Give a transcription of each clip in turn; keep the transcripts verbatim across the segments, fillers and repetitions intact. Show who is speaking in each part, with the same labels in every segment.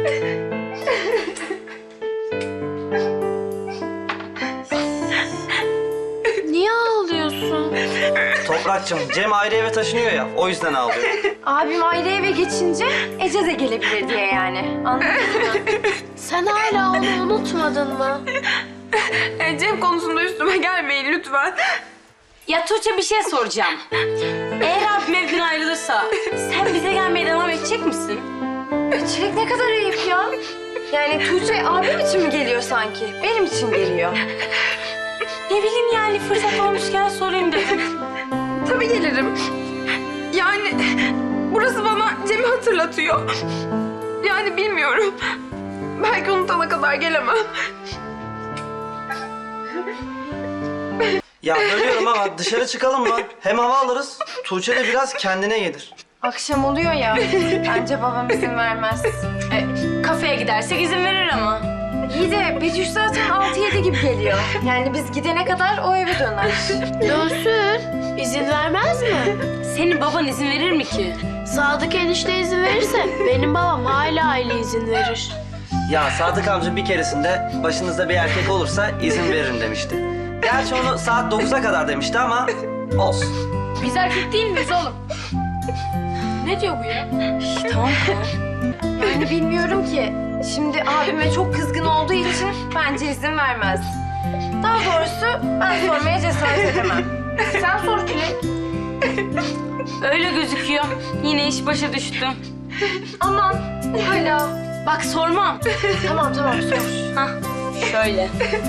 Speaker 1: Niye ağlıyorsun?
Speaker 2: Toprakçım, Cem ayrı eve taşınıyor ya, o yüzden ağlıyor.
Speaker 3: Abim ayrı eve geçince Ece de gelebilir diye yani. Anladın mı?
Speaker 1: Sen hala onu unutmadın mı?
Speaker 4: E, Cem konusunda üstüme gelmeyin lütfen.
Speaker 5: Ya Tuğçe bir şey soracağım. Eğer abim evden ayrılırsa sen bize gelmeye devam edecek misin?
Speaker 3: Çilek ne kadar ayıp ya. Yani Tuğçe abim için mi geliyor sanki? Benim için geliyor.
Speaker 5: Ne bileyim yani fırsat olmuşken sorayım dedim.
Speaker 4: Tabii gelirim. Yani burası bana Cem'i hatırlatıyor. Yani bilmiyorum. Belki unutana kadar gelemem.
Speaker 2: Ya bölüyorum ama dışarı çıkalım mı? Hem hava alırız, Tuğçe de biraz kendine gelir.
Speaker 3: Akşam oluyor ya. Bence babam izin vermez.
Speaker 5: E, kafeye gidersek izin verir ama.
Speaker 3: İyi de Betüş zaten altı yedi gibi geliyor. Yani biz gidene kadar o eve döner.
Speaker 1: Dönsün. İzin vermez mi?
Speaker 5: Senin baban izin verir mi ki?
Speaker 1: Sadık enişte izin verirse benim babam hala aile izin verir.
Speaker 2: Ya Sadık amca bir keresinde başınızda bir erkek olursa izin veririm demişti. Gerçi onu saat dokuza kadar demişti ama olsun.
Speaker 5: Biz erkek değil miyiz oğlum? Ne diyor bu ya? Şş, tamam tamam.
Speaker 3: Yani bilmiyorum ki. Şimdi abime çok kızgın olduğu için bence izin vermez. Daha doğrusu ben sormaya cesaret edemem. Sen sor Çilek.
Speaker 5: Öyle gözüküyor. Yine iş başa düştü.
Speaker 3: Aman hala.
Speaker 5: Bak sormam.
Speaker 3: Tamam tamam sor.
Speaker 5: Hah şöyle.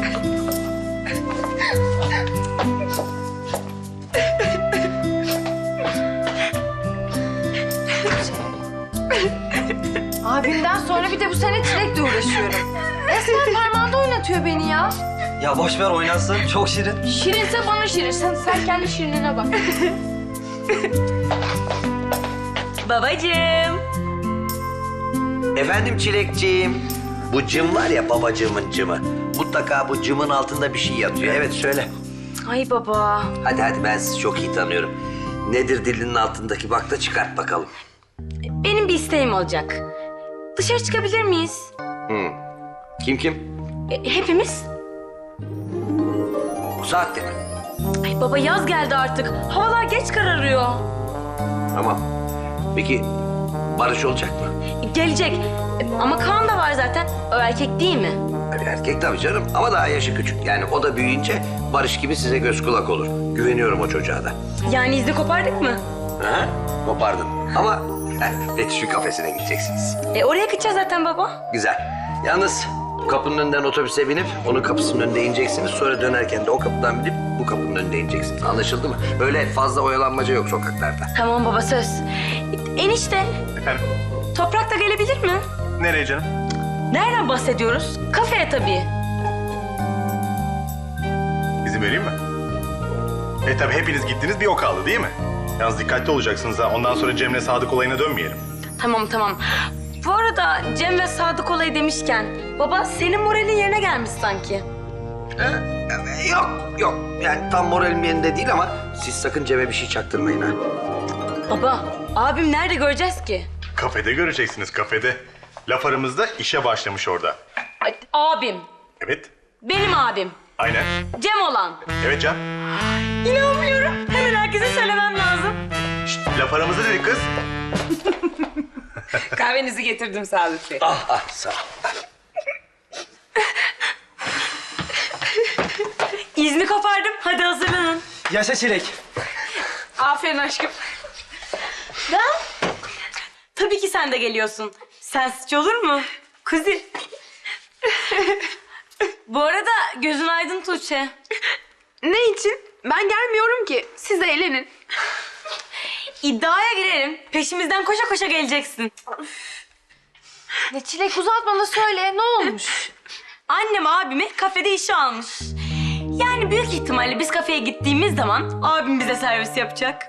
Speaker 3: Abimden sonra bir de bu sene Çilek'le uğraşıyorum. Resmen parmağında oynatıyor beni ya.
Speaker 2: Ya boş ver oynasın, çok şirin.
Speaker 5: Şirinse bana şirin. Sen, sen kendi şirinine bak. Babacığım.
Speaker 6: Efendim Çilekciğim. Bu cım var ya babacığımın cımı. Mutlaka bu cımın altında bir şey yatıyor. Evet söyle.
Speaker 5: Ay baba.
Speaker 6: Hadi hadi ben sizi çok iyi tanıyorum. Nedir dilinin altındaki bak da çıkart bakalım.
Speaker 5: Benim bir isteğim olacak. Dışarı çıkabilir miyiz?
Speaker 6: Hı. Kim kim?
Speaker 5: E, hepimiz.
Speaker 6: Bu saatte mi?
Speaker 5: Ay baba yaz geldi artık. Havalar geç kararıyor.
Speaker 6: Tamam. Peki Barış olacak mı?
Speaker 5: E, gelecek. E, ama Kaan da var zaten. O erkek değil mi?
Speaker 6: Bir erkek tabii canım ama daha yaşı küçük. Yani o da büyüyünce Barış gibi size göz kulak olur. Güveniyorum o çocuğa da.
Speaker 5: Yani izni kopardık mı?
Speaker 6: Ha? Kopardın. Ama Betüş'ün kafesine gideceksiniz.
Speaker 5: E oraya gideceğiz zaten baba.
Speaker 6: Güzel. Yalnız kapının önünden otobüse binip onun kapısının önünde ineceksiniz. Sonra dönerken de o kapıdan binip bu kapının önünde ineceksiniz. Anlaşıldı mı? Öyle fazla oyalanmaca yok sokaklarda.
Speaker 5: Tamam baba söz. E, enişte.
Speaker 7: Efendim,
Speaker 5: Toprak da gelebilir mi?
Speaker 7: nereye canım?
Speaker 5: Nereden bahsediyoruz? Kafeye tabii.
Speaker 7: İzin vereyim mi? E tabii hepiniz gittiniz, bir o kaldı değil mi? Yalnız dikkatli olacaksınız ha. Ondan sonra Cem'le Sadık olayına dönmeyelim.
Speaker 5: Tamam tamam. Bu arada Cem ve Sadık olayı demişken baba senin moralin yerine gelmiş sanki.
Speaker 6: Ee, yok, yok. Yani tam moralim yerinde değil ama siz sakın Cem'e bir şey çaktırmayın ha.
Speaker 5: Baba abim nerede göreceğiz ki?
Speaker 7: Kafede göreceksiniz, kafede. Laf aramızda işe başlamış orada.
Speaker 5: Ay, abim.
Speaker 7: Evet,
Speaker 5: Benim abim.
Speaker 7: aynen.
Speaker 5: Cem olan.
Speaker 7: Evet Can.
Speaker 5: İnanmıyorum. Hemen herkese söylemem lazım.
Speaker 7: Şşt, laf aramızda dedik kız.
Speaker 8: Kahvenizi getirdim Sadık Bey.
Speaker 6: Ah, ah, sağ ol.
Speaker 5: İzni kopardım. Hadi hazırlanın.
Speaker 2: Yaşa Çilek.
Speaker 8: Aferin aşkım.
Speaker 5: Ben? Tabii ki sen de geliyorsun. Sensizce olur mu? Kuzi. Bu arada gözün aydın Tuğçe.
Speaker 4: Ne için? Ben gelmiyorum ki. Siz eğlenin.
Speaker 5: İddiaya girelim. Peşimizden koşa koşa geleceksin.
Speaker 3: Ne Çilek uzatma da söyle ne olmuş?
Speaker 5: Annem abimi kafede işe almış. Yani büyük ihtimalle biz kafeye gittiğimiz zaman abim bize servis yapacak.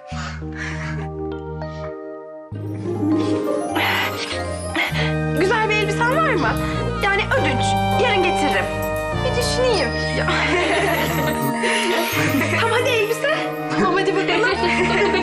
Speaker 4: Güzel bir elbisen var mı? Yani ödünç. Yarın getiririm.
Speaker 3: Bir düşüneyim.
Speaker 4: Tamam hadi elbise. Tamam hadi bakalım.